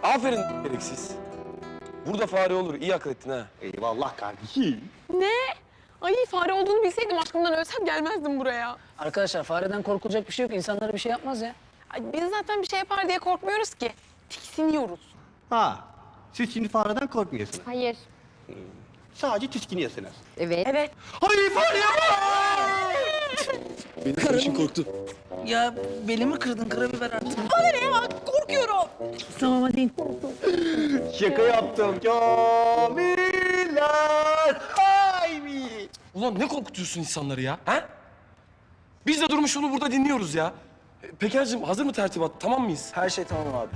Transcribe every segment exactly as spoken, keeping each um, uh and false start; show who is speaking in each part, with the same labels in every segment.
Speaker 1: Aferin gereksiz. Burada fare olur. İyi akıl ettin ha.
Speaker 2: Eyvallah kardeşim.
Speaker 3: Ne? Ay fare olduğunu bilseydim aşkımdan ölsem gelmezdim buraya.
Speaker 4: Arkadaşlar fareden korkulacak bir şey yok. İnsanlara bir şey yapmaz ya.
Speaker 3: Ay, biz zaten bir şey yapar diye korkmuyoruz ki. Tiksiniyoruz.
Speaker 2: Ha, siz şimdi fareden korkmuyorsunuz.
Speaker 5: Hayır.
Speaker 2: Sadece tiskiniyorsunuz.
Speaker 5: Evet.
Speaker 3: Evet.
Speaker 2: Hayır fare yapma!
Speaker 1: Benim için korktu.
Speaker 4: Ya belimi kırdın karabiber artık.
Speaker 3: Bana ne ya? Korkuyorum.
Speaker 4: Tamam hadi.
Speaker 2: Şaka yaptım. Kamiller! Ay mi?
Speaker 1: Ulan ne korkutuyorsun insanları ya? Ha? Biz de durmuş onu burada dinliyoruz ya. E, Peker'cim hazır mı tertibat? Tamam mıyız?
Speaker 6: Her şey tamam abi.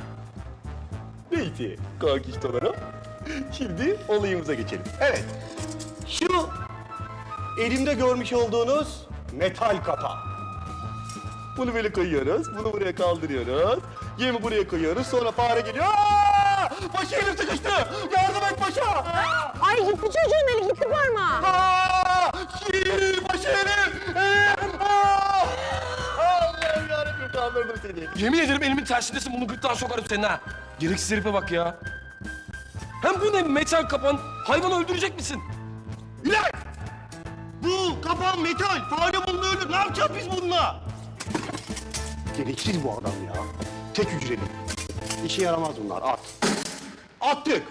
Speaker 2: Neyse kankiştolarım. Şimdi olayımıza geçelim. Evet. Şu elimde görmüş olduğunuz metal kapa. Bunu böyle koyuyoruz. Bunu buraya kaldırıyoruz. Yemi buraya koyuyoruz. Sonra fare geliyor. Aa! Paşa elim sıkıştı. Yardım et paşa. Aa!
Speaker 3: Ay gitti çocuğun eli gitti parmağı.
Speaker 2: Aa! Şiir, paşa elim. Ee! Aa! Allah'ım yarabbim kaldırdım seni.
Speaker 1: Yemin ederim elimin tersindesin. Bunu gırtlağa sokarım senin ha. Gereksiz herife bak ya. Hem bu ne metal kapan? Hayvanı öldürecek misin?
Speaker 2: İlay! Bu kapan metal. Fare bununla ölür. Ne yapacağız biz bununla? Gereksiz bu adam ya. Tek hücreli. İşe yaramaz bunlar. At. Attık.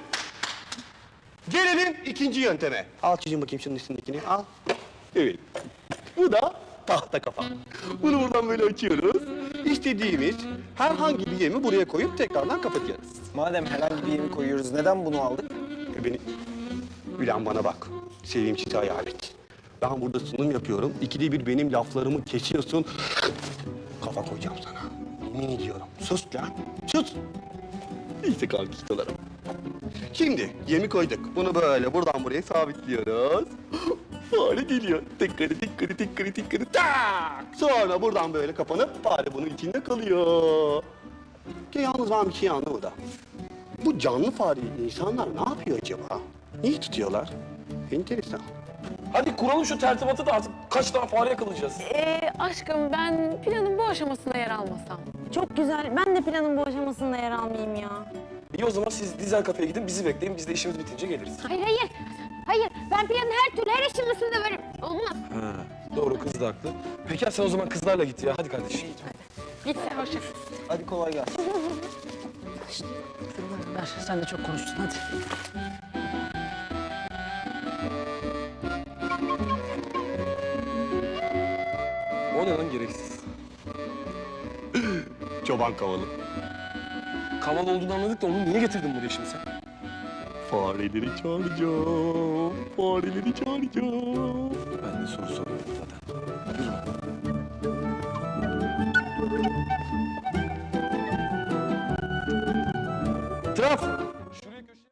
Speaker 2: Gelelim ikinci yönteme. Al çocuğum bakayım şunun üstündekini. Al. Evet. Bu da tahta kafa. Bunu buradan böyle açıyoruz. İstediğimiz herhangi bir yemi buraya koyup tekrardan kapatıyoruz.
Speaker 6: Madem herhangi bir yemi koyuyoruz, neden bunu aldık?
Speaker 2: E Beni... Ülen bana bak. Sevimsiz hayalet. Ben burada sunum yapıyorum. İkide bir benim laflarımı kesiyorsun. Kafa koyacağım sana. Yemin ediyorum. Sus lan. Sus. İşte kalkıştılarım. Şimdi yemi koyduk. Bunu böyle buradan buraya sabitliyoruz. Fare geliyor. Tıkkırı tıkkırı tıkkırı tıkkırı tak. Sonra buradan böyle kapanıp fare bunun içinde kalıyor. Ki yalnız ben bir şey anlamadım. Bu canlı fareyi insanlar ne yapıyor acaba? Niye tutuyorlar? Enteresan.
Speaker 1: Hadi kuralım şu tertibatı da artık kaç tane fare yakalayacağız?
Speaker 3: Ee, aşkım ben planın bu aşamasında yer almasam.
Speaker 5: Çok güzel. Ben de planın bu aşamasında yer almayayım ya.
Speaker 1: İyi o zaman siz dizel kafeye gidin, bizi bekleyin. Biz de işimiz bitince geliriz.
Speaker 5: Hayır hayır. Hayır. Ben planın her türlü her aşamasında varım. Olmaz.
Speaker 1: Ha, doğru, kız da haklı. Peki sen o zaman kızlarla git ya. Hadi kardeşim.
Speaker 3: Git sen hoşça kal.
Speaker 6: Hadi kolay gelsin.
Speaker 4: Ver sen de çok konuştun hadi.
Speaker 1: O ne lan gereksiz?
Speaker 2: Çoban kavalı.
Speaker 1: Kaval olduğunu anladık da onu niye getirdin buraya şimdi sen?
Speaker 2: Fareleri çağıracağım. Fareleri çağıracağım.
Speaker 1: Ben de soru soruyorum zaten. Traf!